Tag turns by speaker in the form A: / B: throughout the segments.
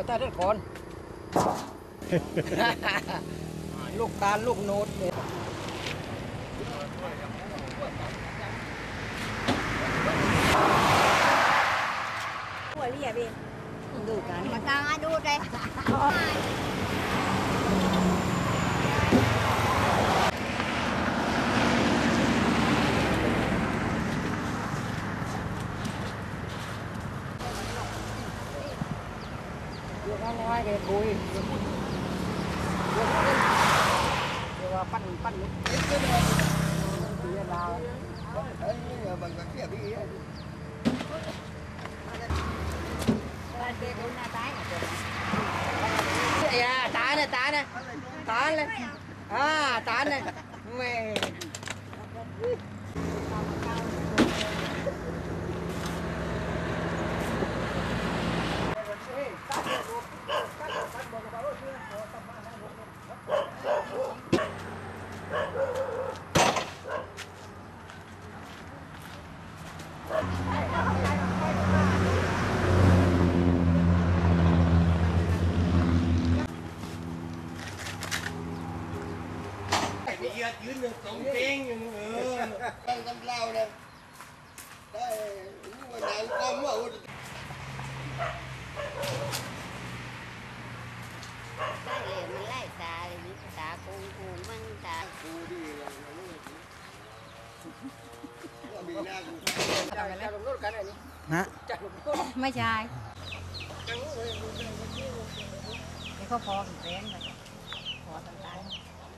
A: ตาเด็ดก่อนลูกตาลลูกโนดเนี่ย
B: หัวเรียบเองดูกันมาตาดูเลย
A: เดี๋ยวน้อยๆแกคุยเดี๋ยวว่าปั้นนิดเดียวดาวbằng cái kia đi à tá này tá này à tá này mẹยืนหนึ่งสองเพลงอยู่ตั้งกำเล่าเลยได้วันไหนก็มั่ว
B: ได้เลยมันไล่ตาเลยตากูมันตากูดีเลยมีหน้ากูจะลงรถกันอะไรนี่ฮะจะลงรถไม่ใช่เดี๋ยวเขาพอแรงไปพอต่างๆ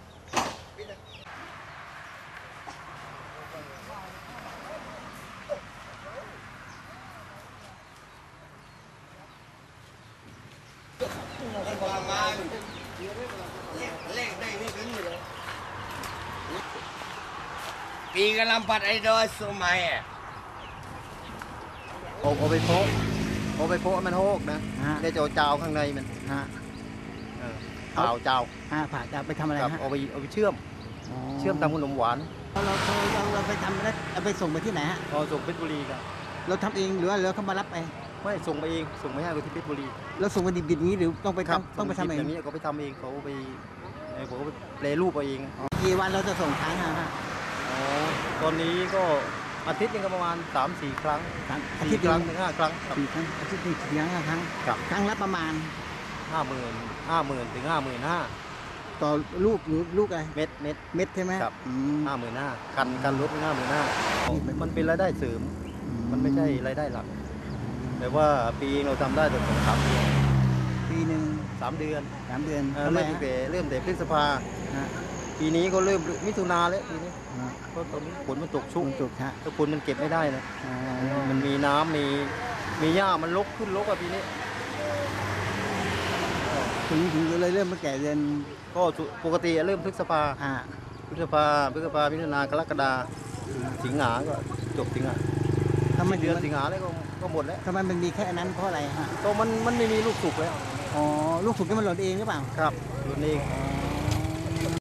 A: ปีกำลังปัดไอ้ดอยสมัยอ่ะ
C: โอไปโพะมันโฮกนะได้เจ้าข้างในมันเปล่าเจ้า
D: ผ่าจะไปทำอะไรฮะ
C: เอาไปเชื่อมทำขนมหวาน
D: เราไปทำแล้วเอาไปส่งไปที่ไหนฮะ
C: ส่งเพชรบุรีครับ
D: เราทำเองหรือว่าเราเขามารับไป
C: ไม่ส่งไปเองส่งไปให้คนที่เพชรบุรี
D: เราส่งไปดิบๆนี้หรือต้องไปทำเอง
C: อย่างนี้เขาไปทำเองเขาไปแปรรูปเอง
D: กี่วันเราจะส่งครั้งฮะ
C: ตอนนี้ก็อาทิตย์นึงก็ประมาณ 3-4 ครั้ง
D: อาทิตย์
C: ครั้งถึง5 ครั้ง
D: 4 ครั้งอาทิตย์นึง5 ครั้งครั้งละประมาณ
C: 50,000 ถึง 55,000
D: ต่อลูกหรือลูกอะไร
C: เม็ด
D: ใช่ไหม
C: ครับ55,000กันรถ55,000มันเป็นรายได้เสริมมันไม่ใช่รายได้หลักแต่ว่าปีเราทำได้แต่2-3 เดือน
D: ปีหนึ่ง
C: 3 เดือน
D: ทำไม
C: เริ่มแต่พฤษภาปีนี้ก็เริ่มมิถุนาแล้วปีนี้ก็ตอนนี้ฝนมันตกชุก
D: ฮะ
C: ถ้าฝนมันเก็บไม่ได้นะมันมีน้ำมีหญ้ามันขึ้นปีนี้
D: ถึงเลยเริ่มมาแก่เดือน
C: ก็ปกติเริ่มพฤษภามิถุนากรกฎาสิงหาก็จบสิงหา
D: ทำไม
C: เดือนสิงหาแล้วก็หมดแล้ว
D: ทำไมมันมีแค่นั้นเพราะอะไรฮะ
C: ก็มันไม่มีลูกสุกแล้ว
D: ลูกสุกที่มันหล่นเองหรือเปล่า
C: ครับหล่นเอง